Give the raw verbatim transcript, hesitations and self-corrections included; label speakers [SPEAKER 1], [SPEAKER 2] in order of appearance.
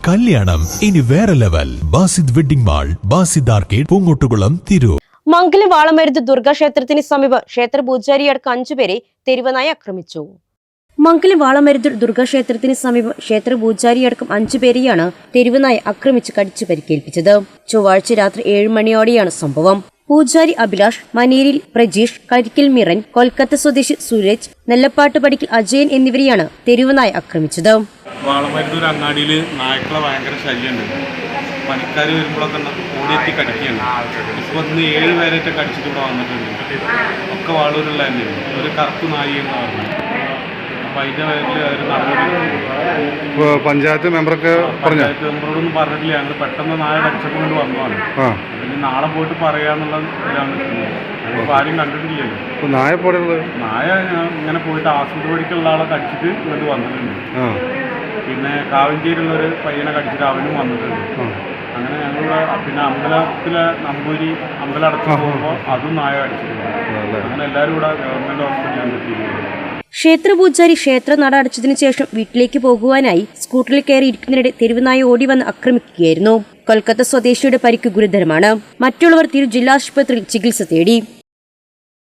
[SPEAKER 1] കല്യാണം ഇനി വേറെ level. Basid wedding mall, Basid arcade, Poongottukulam, Tirur.
[SPEAKER 2] Mangalam Valamaruthu ദുർഗാക്ഷേത്രത്തിന് സമീപം ക്ഷേത്ര പൂജാരിയടക്കം അഞ്ചുപേരെ തെരുവനായി ആക്രമിച്ചു. മംഗലം വാളമരുത് ദുർഗാക്ഷേത്രത്തിന് സമീപം ക്ഷേത്ര പൂജാരിയടക്കം അഞ്ചുപേരെയാണ് തെരുവനായി ആക്രമിച്ച് കടിച്ചു പരിക്കേൽപ്പിച്ചത്. ചൊവ്വാഴ്ച രാത്രി ഏഴ് മണിയോടെയാണ് സംഭവം. പൂജാരി അഭിലാഷ്, മനേരിൽ പ്രജീഷ്, കരിക്കൽ മിറൻ, കൊൽക്കത്ത സ്വദേശി സൂരജ്, നെല്ലപ്പാട്ട് പടിക്കൽ അജയൻ എന്നിവരെയാണ് തെരുവനായി ആക്രമിച്ചത്.
[SPEAKER 3] വാളമരുതൂർ അങ്ങാടിയിൽ നായ്ക്കളെ ഭയങ്കര ശല്യമുണ്ട്. പണിക്കാർ വരുമ്പോഴൊക്കെ ഓടിയെത്തി കടിക്കുകയാണ്. ഇപ്പോൾ ഇന്ന് ഏഴ് പേരായിട്ട് കടിച്ചിട്ട് ഇവിടെ വന്നിട്ടുണ്ട്. ഒക്കെ വാളൂരുള്ള തന്നെയാണ്. ഒരു കറുപ്പ് നായി എന്ന് പറഞ്ഞു. അപ്പം അതിൻ്റെ പേരിൽ ഒരു നടപടി
[SPEAKER 4] പഞ്ചായത്ത് മെമ്പറൊക്കെ
[SPEAKER 3] പഞ്ചായത്ത് മെമ്പറോടൊന്നും പറഞ്ഞിട്ടില്ല. ഞങ്ങൾ പെട്ടെന്ന് നായ കടിച്ചപ്പോൾ കൊണ്ട് വന്നതാണ്. പിന്നെ നാളെ പോയിട്ട് പറയാന്നുള്ള ഇതാണ്. ഞങ്ങളിപ്പോൾ ആരും കണ്ടിട്ടില്ലല്ലോ.
[SPEAKER 4] നായ പോലെയുള്ളത്
[SPEAKER 3] നായ ഇങ്ങനെ പോയിട്ട് ആശുപത്രി പഠിക്കുള്ള ആളെ കടിച്ചിട്ട് ഇങ്ങോട്ട് വന്നിട്ടുണ്ട്. പിന്നെ കാവഞ്ചേരിയുള്ളൊരു പയ്യനെ കടിച്ചിട്ട് അവനും വന്നിട്ടുണ്ട്. അങ്ങനെ ഞങ്ങളുടെ പിന്നെ അമ്പലത്തിലെ നമ്പൂരി അമ്പലം അടച്ചു പോകുമ്പോൾ അതും നായ കടിച്ചിട്ടുണ്ട്. അങ്ങനെ എല്ലാവരും കൂടെ ഗവൺമെന്റ് ഹോസ്പിറ്റലിലാണ് എത്തിയിരിക്കുന്നത്.
[SPEAKER 2] ക്ഷേത്ര പൂജാരി ക്ഷേത്ര നട അടച്ചതിനു ശേഷം വീട്ടിലേക്ക് പോകുവാനായി സ്കൂട്ടറിൽ കയറി ഇരിക്കുന്നതിനിടെ തെരുവുനായ ഓടി വന്ന് ആക്രമിക്കുകയായിരുന്നു. കൊൽക്കത്ത സ്വദേശിയുടെ പരിക്ക് ഗുരുതരമാണ്. മറ്റുള്ളവർ തിരു ജില്ലാ ആശുപത്രിയിൽ ചികിത്സ തേടി.